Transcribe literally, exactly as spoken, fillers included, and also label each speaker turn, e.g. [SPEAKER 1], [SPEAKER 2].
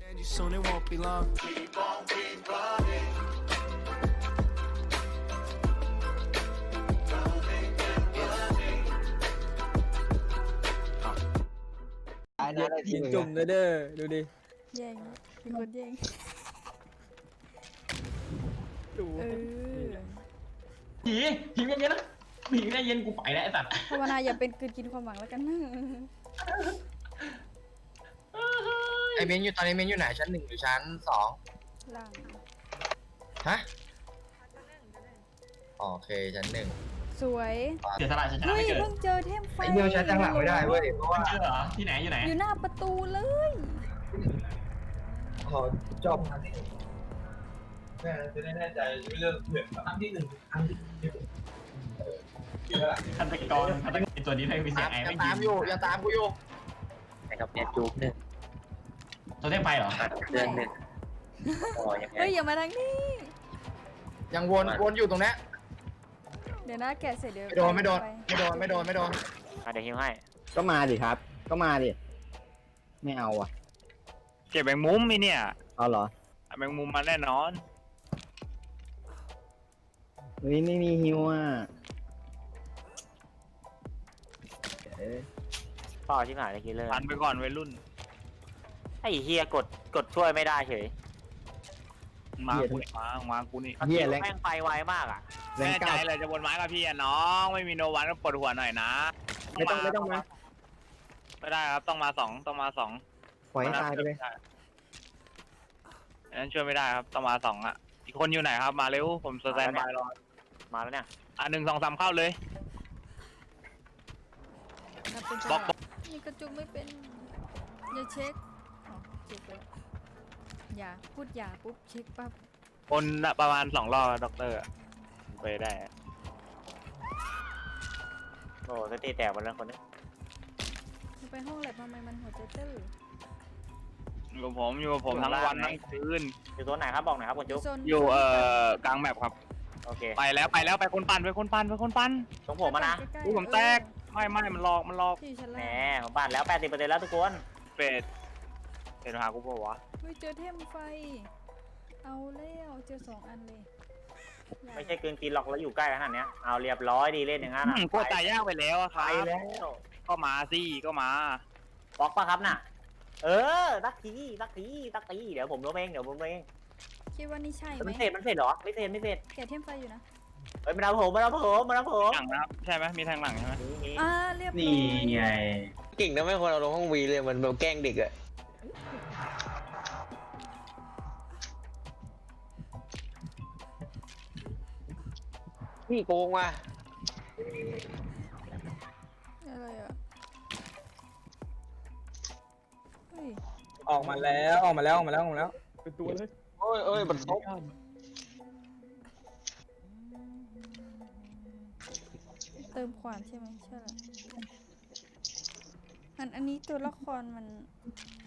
[SPEAKER 1] Soon it won't be long.
[SPEAKER 2] ตายนะได้ที
[SPEAKER 3] ยิง
[SPEAKER 2] หนึ่ง
[SPEAKER 3] จุ่มเลยเด้อดูดิ
[SPEAKER 4] แย่งมีคนแย่ง
[SPEAKER 3] ดู
[SPEAKER 4] เออ
[SPEAKER 5] ผีผีเย็นๆนะผีได้เย็นกูไปแล้วไอ้สัตว์
[SPEAKER 4] ภาวนาอย่าเป็นกลืนกินความหวังแล้วกันนะ
[SPEAKER 2] ไอเมนอยู่ตอนนี้เมนอยู่ไหนชั้นหนึ่งหรือชั้นสอง
[SPEAKER 4] ล่าง
[SPEAKER 2] ฮะโอเคชั้นหนึ่ง
[SPEAKER 4] สวย
[SPEAKER 5] เสียสละฉันชนะ
[SPEAKER 4] เฮ้ย
[SPEAKER 5] ไม่เกิด
[SPEAKER 4] เพิ่งเจอเทมไฟ
[SPEAKER 2] ไอเดียวชั้นจังหลังไม่ได้เว้ยเพราะว่า
[SPEAKER 5] เจอเหรอที่ไหนอยู่ไหน
[SPEAKER 4] อยู่หน้าประตูเลย
[SPEAKER 2] ขอจบครั้งที่หนึ่งแม่จะได้แน่ใจไม่เลือกเผื่อครั้งที่หนึ่งครั้งที่หนึ่งเยอะอะ
[SPEAKER 5] ฆาตกรฆาตกรตัวนี้ไม่มีเสียงไอ้
[SPEAKER 2] ยั
[SPEAKER 5] ไม่
[SPEAKER 2] ง
[SPEAKER 5] ยิ
[SPEAKER 2] ตามอยู่ยังตามกูอยู่
[SPEAKER 6] ไอ้กับเนี่ยจูบหนึ่ง
[SPEAKER 5] ตัวเทพไฟเหรอ
[SPEAKER 6] ตัดเครื่องหนึ่งอ๋อยังไง
[SPEAKER 4] เฮ้ยอย่ามาทางนี้
[SPEAKER 2] ยังวนวนอยู่ตรงนี้
[SPEAKER 4] เดี๋ยวนะแกะเสร็จเดี๋ยว
[SPEAKER 2] ไม่โดนไม่โดน
[SPEAKER 4] ป
[SPEAKER 2] ไม่โดนไม่โดนไม่โดน
[SPEAKER 6] อ่ะเดี๋ยวฮิวให้
[SPEAKER 7] ก็มาดิครับ ก็มาดิ ไม่เอาอ่ะ
[SPEAKER 8] เก็บแมงมุมมีเนี่ย
[SPEAKER 7] เอาเหรอ
[SPEAKER 8] เอาแมงมุมมาแน่นอน
[SPEAKER 7] เฮ้ยไม่มีฮิวอ่ะเอ๊ะ
[SPEAKER 6] เป้าที่หายเลยคิลเลอร์
[SPEAKER 8] พันไปก่อนวัยรุ่น
[SPEAKER 6] ไอ้เฮียกดกดช่วยไม่ได้เฉย
[SPEAKER 8] มากูนี่มามากูนี่
[SPEAKER 7] เฮียแรง
[SPEAKER 6] แม่งไปไวมากอ่ะ
[SPEAKER 7] แรง
[SPEAKER 8] แน่ใจ
[SPEAKER 7] เก้า
[SPEAKER 8] เลยจะบนไม้กับพี่อะน้อง ไม่มีโนวันก็ปวดหัวหน่อยนะ
[SPEAKER 7] ไม่ต้องไม่ต้องมา
[SPEAKER 8] ไม่ได้ครับต้องมาสองต้องมาสอง
[SPEAKER 7] ปล่อยให้ตายไปเลย
[SPEAKER 8] อันนั้นช่วยไม่ได้ครับต้องมาสองอ่ะอีกคนอยู่ไหนครับมาเร็วผมสแตนบายรอ
[SPEAKER 6] มาแล้วเนี่ย
[SPEAKER 8] อ่ะหนึ่งสองสามเข้าเลย
[SPEAKER 4] นับเป็น
[SPEAKER 8] บล็อก
[SPEAKER 4] จังหวะนี่กระจุกไม่เป็นอย่าเช็คอ๋อเช็คไปแล้วอย่าพูดอย่าปุ๊บเช็คปั๊บ
[SPEAKER 8] คนละประมาณสองรอบด็อกเตอร์อะไปได้
[SPEAKER 6] โอ้สติแตกหมดแล้วคนนี้
[SPEAKER 4] ไปห้องแลบทำไมมันหัวใจเต้น
[SPEAKER 8] อยู่กับผมอยู่กับผมทั้งวันทั้งคืน
[SPEAKER 6] อยู่ตัวไหนครับบอกหน่อยครับคุณจุ๊บ
[SPEAKER 4] โซน
[SPEAKER 8] อยู่เอ่อกลางแมปครับ
[SPEAKER 6] โอเค
[SPEAKER 8] ไปแล้วไปแล้วไปคนปั่นไปคนปั่นไปคนปั่น
[SPEAKER 6] ตรงผมมานะ
[SPEAKER 4] ใกล้ๆ
[SPEAKER 8] อุ้ยผมแตกไม่ไม่มันหลอกมันหลอก
[SPEAKER 4] ที่ชั้น
[SPEAKER 6] แหม
[SPEAKER 4] ล่าง
[SPEAKER 6] ผมบาดแล้วแปดสิบเปอร์เซ็นต์แล้วทุกคน
[SPEAKER 8] เฟดเห็นหากูเปล่าวะ
[SPEAKER 4] เฮ้ยเจอเทมไฟ เอาแล้วเจอสองอันเลย
[SPEAKER 6] ไม่ใช่กลืนกินหรอกแล้วอยู่ใกล้ขนาดเนี้ยเอาเรียบร้อยดีเล่นอย่างนั้น
[SPEAKER 8] อื
[SPEAKER 6] อ่ะ
[SPEAKER 8] มกลัวตายยากไปแล้วอะค
[SPEAKER 6] ไป
[SPEAKER 8] รับ
[SPEAKER 6] แล้ว
[SPEAKER 8] ก็มาสิก็มา
[SPEAKER 6] บล็อกปะครับน่ะ เออตักทีตักทีตักทีเดี๋ยวผมล้มเองเดี๋ยวผมล้มเอง
[SPEAKER 4] คิดว่านี่ใช่ไหม
[SPEAKER 6] มันเสร็จมันเสร็จเหรอไม่เสร็จไม่เสร็จ
[SPEAKER 4] แกะเทมไฟอยู่นะ
[SPEAKER 6] เฮ้ยมาเอาผมมาเอาผมมาเอาผม
[SPEAKER 8] หลังนะครับใช่ไหมมีทางหลังใช่ไหม
[SPEAKER 6] นี่นี่
[SPEAKER 4] อ่าเรียบร้อย
[SPEAKER 5] นี่ไง
[SPEAKER 2] เก่งนะไม่ควรเอาลงห้องวีเลยมันแบบแกล้งเด็กอะพี่โกงว่ะ
[SPEAKER 4] อะไรอ่ะเฮ้ย
[SPEAKER 3] ออกมาแล้วออกมาแล้วออกมาแล้วออกมาแล้วเป็นตัวเลย
[SPEAKER 2] โอ้ยเอ้ยมันซบ
[SPEAKER 4] เติมความใช่ไหมใช่แหละอันอันนี้ตัวละครมัน